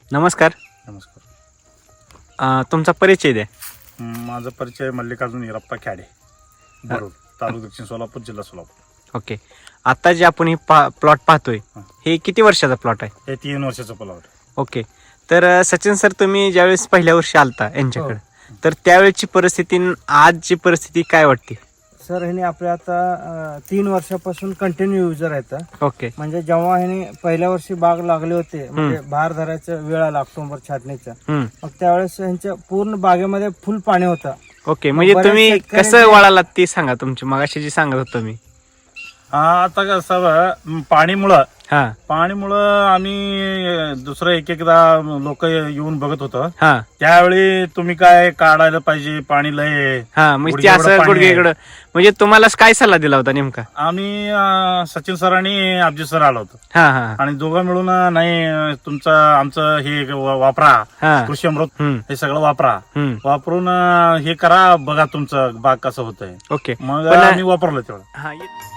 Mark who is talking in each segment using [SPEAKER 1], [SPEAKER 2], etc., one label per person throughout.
[SPEAKER 1] नमस्कार.
[SPEAKER 2] नमस्कार.
[SPEAKER 1] तुमचा परिचय द्या.
[SPEAKER 2] माझा परिचय मल्लिकार्जुन हिरप्पा खेडे, बरोड, तालुका दक्षिण सोलापूर, जिल्हा सोलापूर.
[SPEAKER 1] ओके. आता जे आपण हे प्लॉट पाहतोय हे किती वर्षाचा प्लॉट आहे?
[SPEAKER 2] हे 3 वर्षाचं प्लॉट.
[SPEAKER 1] ओके. तर सचिन सर, तुम्ही ज्यावेळेस पहिल्या वर्षी आलता यांच्याकडे, तर त्यावेळेची परिस्थिती आणि आजची परिस्थिती काय वाटते?
[SPEAKER 3] सर ह्याने आपल्या आता 3 वर्षापासून कंटिन्यू युजर आहेत.
[SPEAKER 1] ओके.
[SPEAKER 3] म्हणजे जेव्हा ह्याने पहिल्या वर्षी बाग लागले होते, म्हणजे बहार धरायचा वेळ आला ऑक्टोबर छाटणीचा, मग त्यावेळेस ह्यांच्या पूर्ण बागेमध्ये फुल पाणी होतं.
[SPEAKER 1] ओके. म्हणजे तुम्ही कसं वळालात ते सांगा. तुमची मगाशी जी सांगत होतो मी.
[SPEAKER 2] आता कसं पाणीमुळं आम्ही दुसरं एकदा लोक येऊन बघत होतं. त्यावेळी तुम्ही काय काढायला पाहिजे, पाणी लय.
[SPEAKER 1] म्हणजे असं गुडघेकडं. म्हणजे तुम्हाला काय सल्ला दिला होता नेमका?
[SPEAKER 2] आम्ही सचिन सर आणि अभिजित सर आलो होतो आणि दोघं मिळून नाही तुमचं आमचं हे वापरा, कृषी अमृत हे सगळं वापरून हे करा, बघा तुमचं बाग कसं होतंय.
[SPEAKER 1] ओके.
[SPEAKER 2] मग आम्ही वापरलं तेवढं.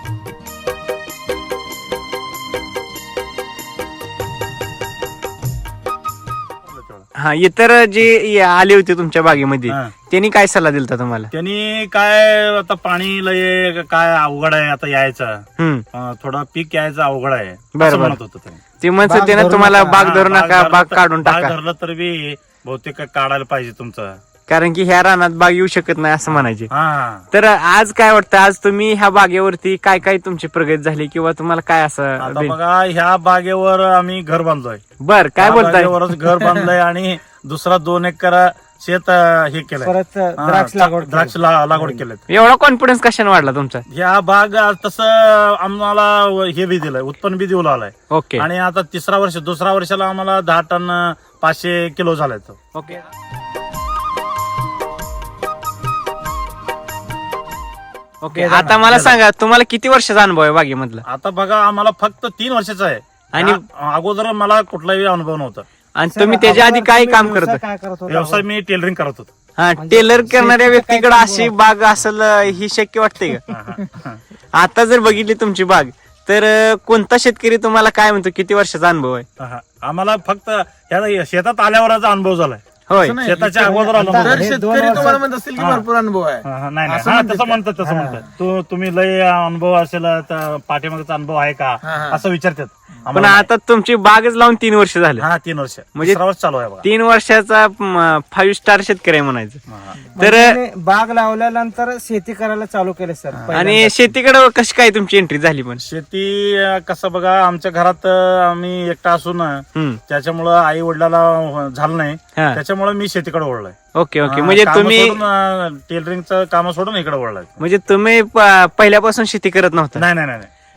[SPEAKER 1] इतर जे आले होते तुमच्या बागेमध्ये त्यांनी काय सल्ला दिला तुम्हाला?
[SPEAKER 2] त्यांनी काय आता पाणी लय काय अवघड आहे आता यायचं, थोडं पीक यायचं अवघड आहे असं म्हणत होतं
[SPEAKER 1] ते म्हणत होते ना तुम्हाला, बाग धरू नका, बाग काढून टाका.
[SPEAKER 2] धरलं तर बी बहुतेक काढायला पाहिजे तुमचं,
[SPEAKER 1] कारण की ह्या रानात बाग येऊ शकत नाही असं म्हणायचे. तर आज काय वाटतं, आज तुम्ही ह्या बागेवरती काय काय तुमची प्रगती झाली किंवा तुम्हाला काय असं?
[SPEAKER 2] आता बघा, ह्या बागेवर आम्ही घर बांधलोय.
[SPEAKER 1] बर, काय बोलताय?
[SPEAKER 2] घर बांधलंय आणि दुसरा 2 एकर शेत हे केलंय,
[SPEAKER 3] परत द्राक्ष
[SPEAKER 2] लागवड केलं.
[SPEAKER 1] एवढा कॉन्फिडन्स कशाने वाढला तुमचा?
[SPEAKER 2] ह्या बाग तसं आम्हाला हे बी दिलंय, उत्पन्न बी देऊ लागलाय.
[SPEAKER 1] ओके.
[SPEAKER 2] आणि आता दुसऱ्या वर्षाला आम्हाला 10 टन 500 किलो झालाय तो.
[SPEAKER 1] ओके. ओके. आता मला सांगा, तुम्हाला किती वर्षाचा अनुभव आहे बागेमधला?
[SPEAKER 2] आता बघा, आम्हाला फक्त 3 वर्षाचा आहे आणि अगोदर मला कुठलाही अनुभव नव्हता.
[SPEAKER 1] आणि तुम्ही त्याच्या आधी काय काम करत?
[SPEAKER 2] व्यवसाय मी टेलरिंग करत होतो.
[SPEAKER 1] टेलर करणाऱ्या व्यक्तीकडे अशी बाग असेल ही शक्य वाटते का? आता जर बघितली तुमची बाग, तर कोणता शेतकरी तुम्हाला काय म्हणतो, किती वर्षाचा अनुभव आहे?
[SPEAKER 2] आम्हाला फक्त शेतात आल्यावरचा अनुभव झालाय.
[SPEAKER 1] होय.
[SPEAKER 2] शेताच्या अगोदर
[SPEAKER 4] शेतकरी तुम्हाला म्हणत असतील की भरपूर अनुभव आहे.
[SPEAKER 2] नाही, तसं म्हणतात. तुम्ही लय अनुभव असेल, पाठीमागचा अनुभव आहे का असं विचारतात.
[SPEAKER 1] पण आता तुमची बागच लावून 3 वर्ष झाले.
[SPEAKER 2] 3 वर्ष
[SPEAKER 1] म्हणजे
[SPEAKER 2] चालू आहे.
[SPEAKER 1] 3 वर्षाचा 5 स्टार शेतकरी आहे म्हणायचं. तर
[SPEAKER 3] बाग लावल्यानंतर शेती करायला चालू केले सर.
[SPEAKER 1] आणि शेतीकडे कशी काय तुमची एंट्री झाली? पण
[SPEAKER 2] शेती कसं बघा, आमच्या घरात आम्ही एकटा असून त्याच्यामुळं आई वडिलाला झालं नाही, त्याच्यामुळे मी शेतीकडे वळलोय.
[SPEAKER 1] ओके. ओके. म्हणजे तुम्ही
[SPEAKER 2] टेलरिंगचं काम सोडून इकडे वळलाय.
[SPEAKER 1] म्हणजे तुम्ही पहिल्यापासून शेती करत नव्हता?
[SPEAKER 2] नाही.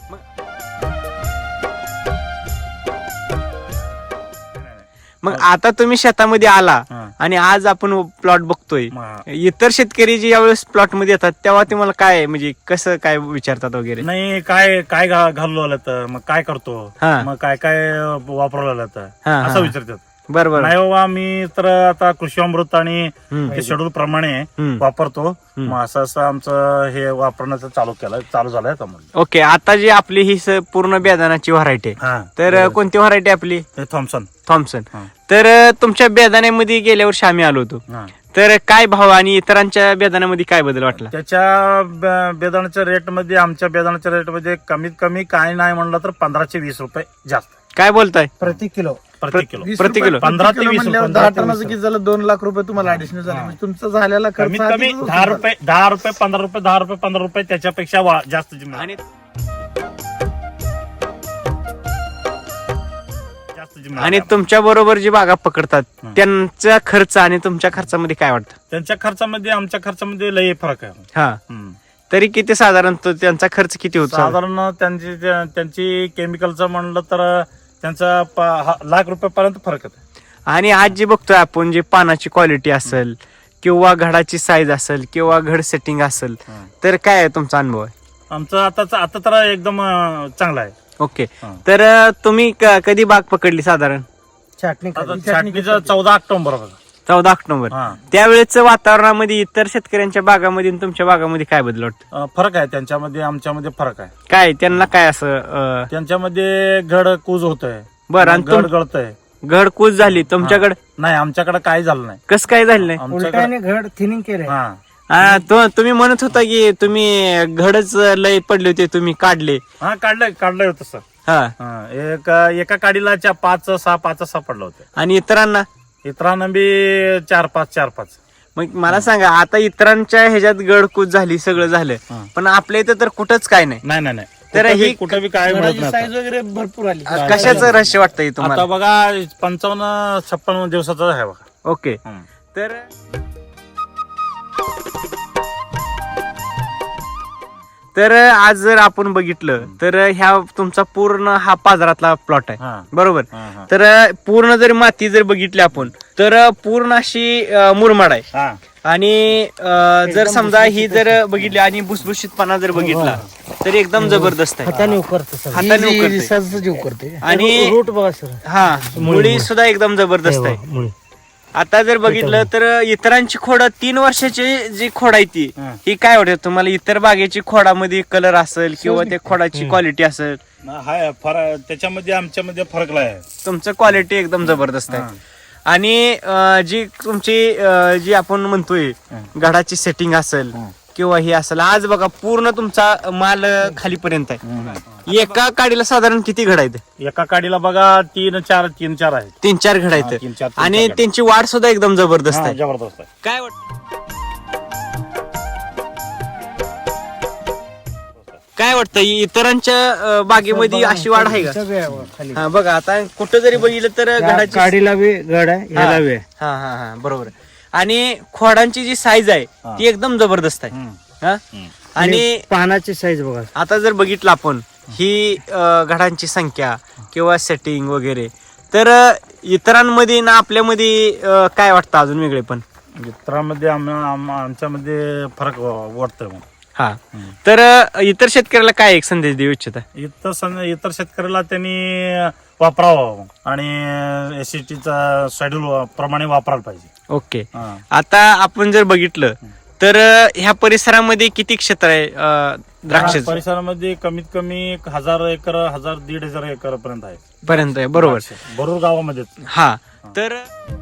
[SPEAKER 1] मग आता तुम्ही शेतामध्ये आला आणि आज आपण प्लॉट बघतोय. इतर शेतकरी जे यावेळेस प्लॉट मध्ये येतात तेव्हा तुम्हाला काय, म्हणजे कसं काय विचारतात वगैरे?
[SPEAKER 2] नाही, काय घालू आलं तर मग काय करतो, मग काय वापरलं असं विचारतात.
[SPEAKER 1] बरोबर.
[SPEAKER 2] नाही बाबा, मी तर आता कृषी अमृत आणि शेड्यूल प्रमाणे वापरतो. मग असं आमचं हे वापरण्याचं चालू झालंय.
[SPEAKER 1] ओके. आता जी आपली ही पूर्ण बेदाण्याची व्हरायटी आहे, तर कोणती व्हरायटी आपली? थॉम्सन. तर तुमच्या बेदाण्यामध्ये गेल्या वर्षी आम्ही आलो होतो, तर काय भाव आणि इतरांच्या बेदाण्यामध्ये काय बदल वाटला?
[SPEAKER 2] त्याच्या बेदाण्याच्या रेटमध्ये, आमच्या बेदाण्याच्या रेटमध्ये कमीत कमी काय नाही म्हणलं तर 15 ते 20 रुपये जास्त.
[SPEAKER 1] काय बोलताय?
[SPEAKER 3] प्रति किलो
[SPEAKER 2] 15 ते 20
[SPEAKER 4] म्हणल्यावर 10 टनाचं किती झालं? 2 लाख रुपये तुम्हाला ऍडिशनल झाले. म्हणजे तुमचा झालेला खर्च
[SPEAKER 2] कमीत कमी 10 रुपये, 15 रुपये, 15 रुपये त्याच्यापेक्षा जास्त.
[SPEAKER 1] आणि तुमच्या बरोबर जी बागा पकडतात त्यांचा खर्च आणि तुमच्या खर्चामध्ये काय वाटतं?
[SPEAKER 2] त्यांच्या खर्चामध्ये आमच्या खर्चामध्ये लय फरक आहे.
[SPEAKER 1] तरी किती साधारण त्यांचा खर्च किती होतो?
[SPEAKER 2] साधारण त्यांची केमिकलचं म्हणलं तर त्यांचा लाख रुपयापर्यंत फरक आहे.
[SPEAKER 1] आणि आज जे बघतोय आपण, जे पानाची क्वालिटी असेल किंवा घडाची साईज असेल किंवा घड सेटिंग असेल, तर काय आहे तुमचा अनुभव आहे?
[SPEAKER 2] आमचं आता तर एकदम चांगला आहे.
[SPEAKER 1] ओके. तर तुम्ही कधी बाग पकडली साधारण?
[SPEAKER 2] छाटणीचं 14 ऑक्टोबर.
[SPEAKER 1] 14 ऑक्टोबर. त्यावेळेच वातावरणामध्ये इतर शेतकऱ्यांच्या बागामध्ये आणि तुमच्या बागामध्ये काय बदल वाटतं?
[SPEAKER 2] फरक आहे त्यांच्यामध्ये, आमच्यामध्ये फरक आहे.
[SPEAKER 1] काय त्यांना काय असं?
[SPEAKER 2] त्यांच्यामध्ये घड कूज होतंय,
[SPEAKER 1] बरं. आणि
[SPEAKER 2] घड गळतंय,
[SPEAKER 1] घडकूज झाली तुमच्याकडे?
[SPEAKER 2] नाही, आमच्याकडे काही झालं नाही.
[SPEAKER 1] कसं काय झालं नाही?
[SPEAKER 3] उलट्याने घड थिनिंग केले.
[SPEAKER 2] हा
[SPEAKER 1] तुम्ही म्हणत होता की तुम्ही घडच लय पडले होते, तुम्ही काढले.
[SPEAKER 2] काढलंय होतं सर.
[SPEAKER 1] हा,
[SPEAKER 2] एका काडीला 5-6 पडलं होतं.
[SPEAKER 1] आणि
[SPEAKER 2] इतरांना बी 4-5.
[SPEAKER 1] मग मला सांगा, आता इतरांच्या ह्याच्यात गडकूज झाली, सगळं झालं, पण आपल्या इथं तर कुठंच काय नाही.
[SPEAKER 2] नाही.
[SPEAKER 1] तर ही
[SPEAKER 2] कुठं बी काय मिळत नाही.
[SPEAKER 4] साईज वगैरे भरपूर आली.
[SPEAKER 1] कशाचं रहस्य वाटतंय
[SPEAKER 2] आता
[SPEAKER 1] तुम्हाला?
[SPEAKER 2] बघा 55-56 दिवसाचा आहे बघा.
[SPEAKER 1] ओके. तर आज जर आपण बघितलं तर ह्या तुमचा पूर्ण हा पाजरातला प्लॉट आहे, बरोबर? तर पूर्ण जर माती जर बघितली आपण तर पूर्ण अशी मुरमाड आहे. आणि जर समजा ही जर बघितली आणि भुसभुशीतपणा जर बघितला तर एकदम जबरदस्त आहे.
[SPEAKER 3] हाताने उकरते.
[SPEAKER 1] हाताने
[SPEAKER 4] उकरते.
[SPEAKER 1] आणि
[SPEAKER 3] रूट बघा सर.
[SPEAKER 1] हा, मुळी सुद्धा एकदम जबरदस्त आहे. आता जर बघितलं तर इतरांची खोड 3 वर्षाची जी खोड आहे ती ही काय वाटत तुम्हाला? इतर बागेची खोडामध्ये कलर असेल किंवा त्या खोडाची क्वालिटी असेल,
[SPEAKER 2] त्याच्यामध्ये आमच्यामध्ये फरक आहे.
[SPEAKER 1] तुमचं क्वालिटी एकदम जबरदस्त आहे. आणि जी तुमची जी आपण म्हणतोय घडाची सेटिंग असेल किंवा हे असेल, आज बघा पूर्ण तुमचा माल खालीपर्यंत आहे. एका काडीला साधारण किती घड आहेत?
[SPEAKER 2] एका काडीला बघा 3-4 आहेत.
[SPEAKER 1] 3-4 घड आहेत.
[SPEAKER 2] 3-4
[SPEAKER 1] आणि त्यांची वाढ सुद्धा एकदम जबरदस्त आहे.
[SPEAKER 2] जबरदस्त आहे.
[SPEAKER 1] काय वाटत काय वाटतं इतरांच्या बागेमध्ये अशी वाढ आहे का? हा, बघा आता कुठं जरी बघितलं तर घडाची
[SPEAKER 3] काडीला बी घड आहे, ह्याला बी आहे.
[SPEAKER 1] हा, बरोबर. आणि खोडांची जी साईज आहे ती एकदम जबरदस्त आहे. हा, आणि
[SPEAKER 3] पानाची साईज बघा.
[SPEAKER 1] आता जर बघितलं आपण ही घडांची संख्या किंवा सेटिंग वगैरे, तर इतरांमध्ये ना आपल्यामध्ये काय वाटतं अजून वेगळे पण?
[SPEAKER 2] इतरांमध्ये आमच्यामध्ये फरक वाटतोय.
[SPEAKER 1] हा, तर इतर शेतकऱ्याला काय एक संदेश देऊ इच्छिता?
[SPEAKER 2] इतर शेतकऱ्याला त्यांनी वापरावं आणि एसीटीचा शेड्यूल प्रमाणे वापरायला पाहिजे.
[SPEAKER 1] ओके. आता आपण जर बघितलं तर ह्या परिसरामध्ये किती क्षेत्र आहे द्राक्ष
[SPEAKER 2] परिसरामध्ये? कमीत कमी 1000 एकर 1000-1500 एकर
[SPEAKER 1] पर्यंत आहे, बरोबर?
[SPEAKER 2] भरूर गावामध्ये.
[SPEAKER 1] हा, तर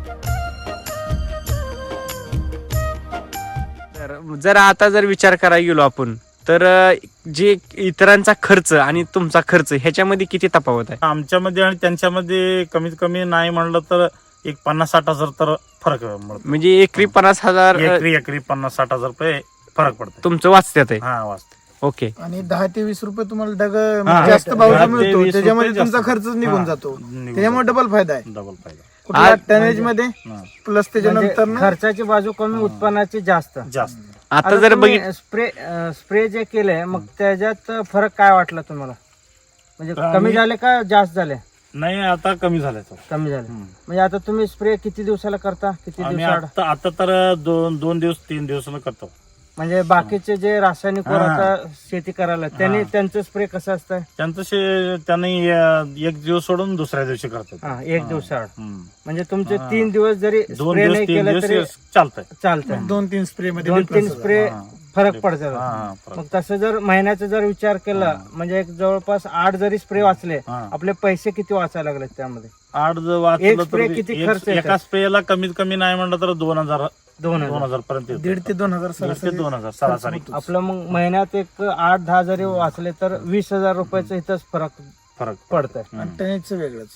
[SPEAKER 1] जर आता जर विचार करायला गेलो आपण तर जे इतरांचा खर्च आणि तुमचा खर्च ह्याच्यामध्ये किती तफावत आहे?
[SPEAKER 2] आमच्यामध्ये आणि त्यांच्यामध्ये कमीत कमी नाही म्हणलं तर एक 50-60 हजार तर फरक मिळतो.
[SPEAKER 1] म्हणजे एकरी 50,000
[SPEAKER 2] एकरी 50-60 हजार रुपये फरक पडतो.
[SPEAKER 1] तुमचं वाचत्यात आहे.
[SPEAKER 2] हा, वाचत.
[SPEAKER 1] ओके.
[SPEAKER 4] आणि 10 ते 20 रुपये तुम्हाला जास्त भाव मिळतो, त्याच्यामध्ये तुमचा खर्च निघून जातो. त्याच्यामुळे डबल फायदा आहे.
[SPEAKER 2] डबल फायदा
[SPEAKER 4] कुठल्या टनेज मध्ये प्लस त्याच्यानंतर
[SPEAKER 3] खर्चाची बाजू कमी, उत्पन्नाची जास्त.
[SPEAKER 1] आता जर बघितलं
[SPEAKER 3] स्प्रे जे केलंय मग त्याच्यात फरक काय वाटला तुम्हाला? म्हणजे कमी झाले का जास्त झाले?
[SPEAKER 2] नाही, आता कमी झालं.
[SPEAKER 3] कमी झाले. म्हणजे आता तुम्ही स्प्रे किती दिवसाला करता? किती दिवसाला?
[SPEAKER 2] आता तर 2 दिवस 3 दिवसाला करतो.
[SPEAKER 3] म्हणजे बाकीचे जे रासायनिक वर आता शेती करायला त्यांचं स्प्रे कसं असतं?
[SPEAKER 2] त्यांनी एक दिवस सोडून दुसऱ्या दिवशी करतात.
[SPEAKER 3] एक दिवसाआड. म्हणजे तुमचे 3 दिवस जरी स्प्रे नाही केलं तरी चालतंय.
[SPEAKER 4] 2-3 स्प्रे मध्ये
[SPEAKER 3] 2-3 स्प्रे फरक पडतो. मग तसं जर महिन्याचा जर विचार केला म्हणजे एक जवळपास 8 जरी स्प्रे वाचले, आपले पैसे किती वाचायला लागले त्यामध्ये?
[SPEAKER 2] 8 जर वाचलं
[SPEAKER 3] स्प्रे किती खर्च येतो?
[SPEAKER 2] एका स्प्रेला कमीत कमी नाही म्हणलं तर 2000 पर्यंत.
[SPEAKER 4] 1,500 ते 2,000
[SPEAKER 2] सरासरी.
[SPEAKER 3] आपलं मग महिन्यात एक 8-10 जरी वाचले तर 20,000 रुपयाचा इथंच फरक पडतंय.
[SPEAKER 4] टनेजचं वेगळंच.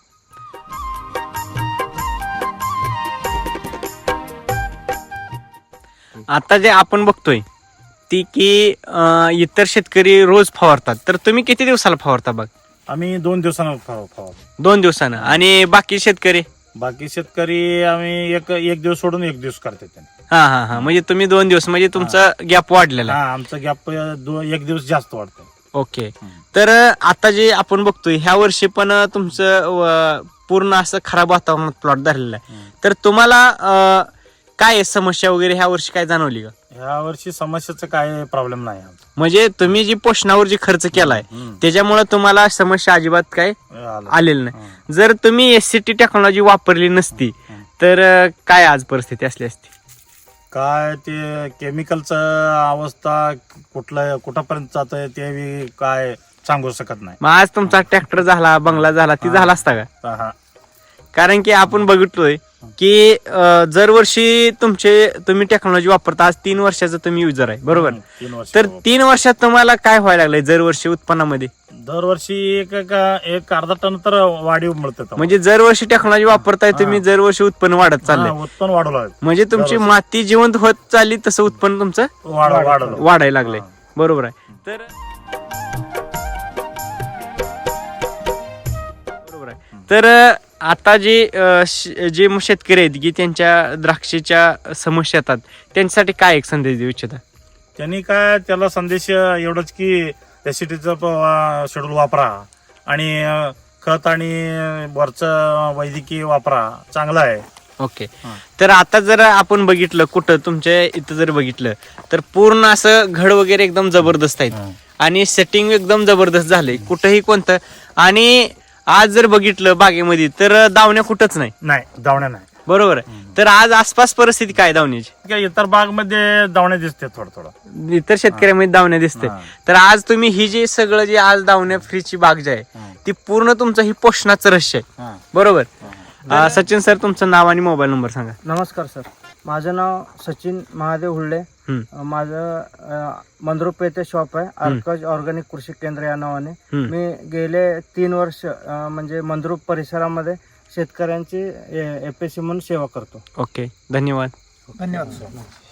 [SPEAKER 1] आता जे आपण बघतोय ती की इतर शेतकरी रोज फवारतात, तर तुम्ही किती दिवसाला फवारता? बघ,
[SPEAKER 2] आम्ही 2 दिवसानं फवारतो.
[SPEAKER 1] 2 दिवसानं. आणि बाकी शेतकरी
[SPEAKER 2] आम्ही एक दिवस सोडून 1 दिवस करतो.
[SPEAKER 1] हा, म्हणजे तुम्ही 2 दिवस, म्हणजे तुमचा गॅप वाढलेला आहे.
[SPEAKER 2] आमचा गॅप 1 दिवस जास्त वाढतो.
[SPEAKER 1] ओके. तर आता जे आपण बघतोय ह्या वर्षी पण तुमचं पूर्ण असं खराब वातावरणात प्लॉट धरलेला आहे, तर तुम्हाला काय समस्या वगैरे ह्या वर्षी काय जाणवली का?
[SPEAKER 2] ह्या वर्षी समस्याचं काय प्रॉब्लेम नाही.
[SPEAKER 1] म्हणजे तुम्ही जी पोषणावर जी खर्च केलाय त्याच्यामुळे तुम्हाला समस्या अजिबात काय आलेली नाही. जर तुम्ही एससीटी टेक्नॉलॉजी वापरली नसती तर काय आज परिस्थिती असली असती?
[SPEAKER 2] काय ते केमिकलचं अवस्था कुठपर्यंत जातंय ते काय सांगू शकत नाही.
[SPEAKER 1] मग आज तुमचा ट्रॅक्टर झाला, बंगला झाला, ती झाला असता का? कारण की आपण बघितलोय की दरवर्षी तुम्ही टेक्नॉलॉजी वापरता. आज 3 वर्षाचा तुम्ही युजर आहे, बरोबर?
[SPEAKER 2] 3 वर्ष
[SPEAKER 1] तर 3 वर्षात तुम्हाला काय व्हायला लागलंय दरवर्षी उत्पन्नामध्ये?
[SPEAKER 2] दरवर्षी एक अर्धा टन तर वाढीव मिळते.
[SPEAKER 1] म्हणजे दरवर्षी टेक्नॉलॉजी वापरताय तुम्ही, दरवर्षी उत्पन्न वाढत चाललंय.
[SPEAKER 2] उत्पन्न वाढवलं
[SPEAKER 1] म्हणजे तुमची माती जिवंत होत चालली तसं उत्पन्न तुमचं वाढायला लागलंय, बरोबर आहे? तर बरोबर आहे. तर आता जे शेतकरी आहेत की त्यांच्या द्राक्षेच्या समस्या येतात, त्यांच्यासाठी काय एक संदेश देऊ इच्छिता?
[SPEAKER 2] त्यांनी काय त्याला संदेश एवढंच की एसिडीचं शेड्यूल वापरा आणि खत आणि वरचं वैद्यकीय वापरा, चांगला आहे.
[SPEAKER 1] ओके. तर आता जर आपण बघितलं कुठं तुमच्या इथं जर बघितलं तर पूर्ण असं घड वगैरे एकदम जबरदस्त आहेत आणि सेटिंग एकदम जबरदस्त झालंय, कुठंही कोणतं. आणि आज जर बघितलं बागेमध्ये तर दावण्या कुठंच नाही,
[SPEAKER 2] दावण्या नाही,
[SPEAKER 1] बरोबर आहे? तर आज आसपास परिस्थिती काय दावण्याची?
[SPEAKER 2] इतर बाग मध्ये दावण्या दिसते, थोडं
[SPEAKER 1] इतर शेतकऱ्यामध्ये दावण्या दिसते. तर आज तुम्ही ही जे सगळं जे आज दावण्या फ्रीची बाग जी आहे ती पूर्ण तुमचं ही पोषणाचं रहस्य आहे, बरोबर? सचिन सर, तुमचं नाव आणि मोबाईल नंबर सांगा.
[SPEAKER 3] नमस्कार सर, माझं नाव सचिन महादेव हुल्डे. माझं मंद्रुप येथे शॉप आहे, अर्कज ऑर्गॅनिक कृषी केंद्र या नावाने. मी गेले 3 वर्ष म्हणजे मंद्रुप परिसरामध्ये शेतकऱ्यांची FAC म्हणून सेवा करतो.
[SPEAKER 1] ओके, धन्यवाद.
[SPEAKER 4] धन्यवाद सर.